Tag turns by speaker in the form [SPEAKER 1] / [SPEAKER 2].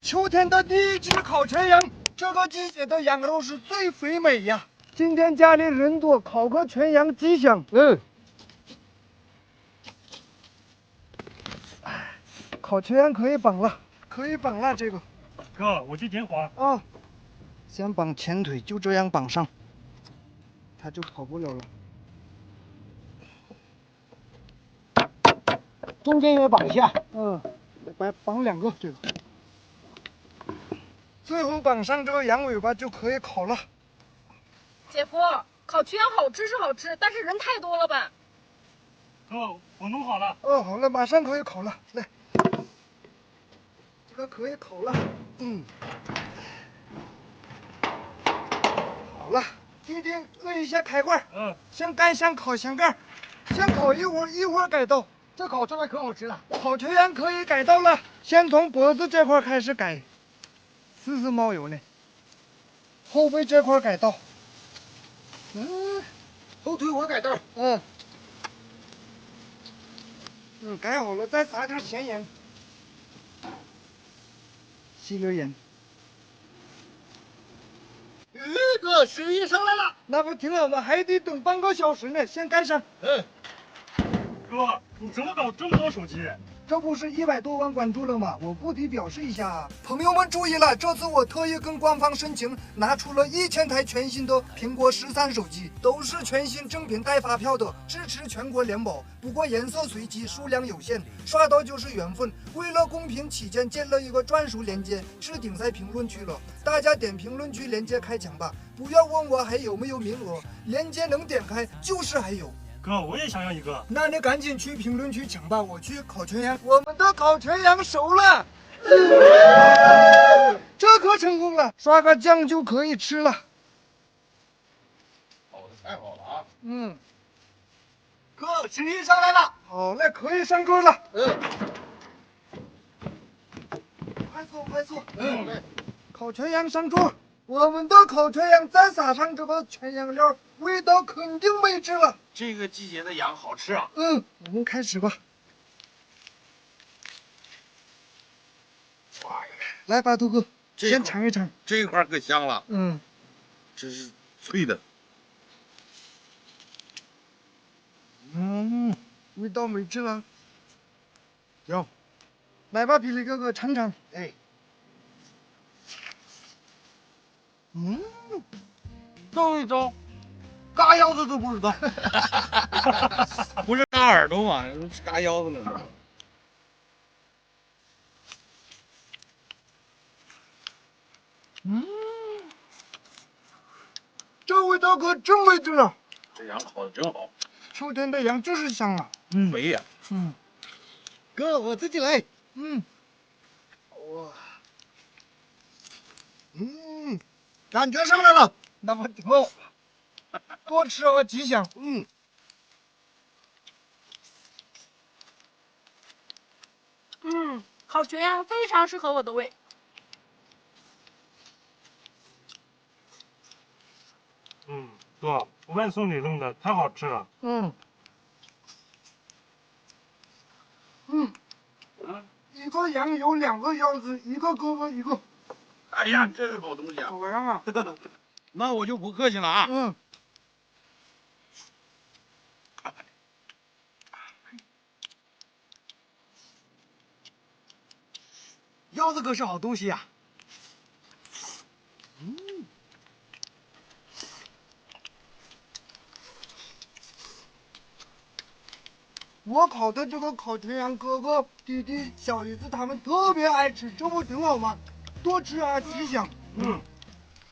[SPEAKER 1] 秋天的第一只烤全羊，这个季节的羊肉是最肥美呀。今天家里人多，烤个全羊吉祥。烤全羊可以绑了，可以绑了这个。
[SPEAKER 2] 哥，我去点火。
[SPEAKER 1] 啊，先绑前腿，就这样绑上，它就跑不了了。中间也绑一下。绑两个这个。最后绑上这个羊尾巴就可以烤了。
[SPEAKER 3] 姐夫，烤全羊好吃是好吃，但是人太多了吧？
[SPEAKER 2] 哥，我弄好了。
[SPEAKER 1] 哦，好了，马上可以烤了。来，这个可以烤了。好了，弟弟摁一下开关。先盖上烤箱盖，先烤一会儿，一会儿改刀。这烤出来可好吃了。烤全羊可以改刀了，先从脖子这块开始改，丝丝冒油呢。后背这块改刀。后腿我改刀。改好了，再撒点咸盐，吸溜盐。
[SPEAKER 4] 哥，食欲上来了。
[SPEAKER 1] 那不挺好吗？还得等半个小时呢，先盖上。
[SPEAKER 2] 哥，你怎么搞这么多手机？
[SPEAKER 1] 这不是100多万关注了吗？我不得表示一下。朋友们注意了，这次我特意跟官方申请，拿出了1000台全新的苹果13手机，都是全新正品带发票的，支持全国联保。不过颜色随机，数量有限，刷到就是缘分。为了公平起见，建了一个专属链接，置顶在评论区了，大家点评论区链接开抢吧，不要问我还有没有名额，链接能点开就是还有。
[SPEAKER 2] 哥，我也想要一个。
[SPEAKER 1] 那你赶紧去评论区抢吧，我去烤全羊。我们的烤全羊熟了，这可成功了，刷个酱就可以吃了。
[SPEAKER 4] 烤的太好了啊！
[SPEAKER 1] 哥，食欲上来了。好嘞，可以上桌了。快坐，快坐。烤全羊上桌。我们的烤全羊再撒上这个全羊料，味道肯定美质了。
[SPEAKER 4] 这个季节的羊好吃啊！
[SPEAKER 1] 我们开始吧。
[SPEAKER 4] 哇，
[SPEAKER 1] 来吧，杜哥，
[SPEAKER 4] 这
[SPEAKER 1] 先尝一尝。
[SPEAKER 4] 这一块可香了，这是脆的。
[SPEAKER 1] 味道美质了。行，来吧，霹雳哥哥尝尝。
[SPEAKER 4] 照一照，嘎腰子都不知道，不是嘎耳朵吗？嘎腰子呢。
[SPEAKER 1] 这味道可真美质了。
[SPEAKER 4] 这羊烤的真好，
[SPEAKER 1] 秋天的羊就是香啊。
[SPEAKER 4] 肥呀。
[SPEAKER 1] 哥，我自己来。哇，
[SPEAKER 4] 感觉上来了。
[SPEAKER 1] 那么挺好，多吃啊，吉祥。
[SPEAKER 3] 烤全羊非常适合我的胃。
[SPEAKER 2] 哥，外送你弄的太好吃了。
[SPEAKER 1] 一个羊有2个腰子，一个胳膊一个。
[SPEAKER 4] 哎呀，这是好东西啊！
[SPEAKER 1] 怎么样啊？
[SPEAKER 4] 那我就不客气了啊。
[SPEAKER 1] 腰子可是好东西呀。我烤的这个烤全羊，哥哥、弟弟、小姨子他们特别爱吃，这不挺好吗？多吃啊，吉祥。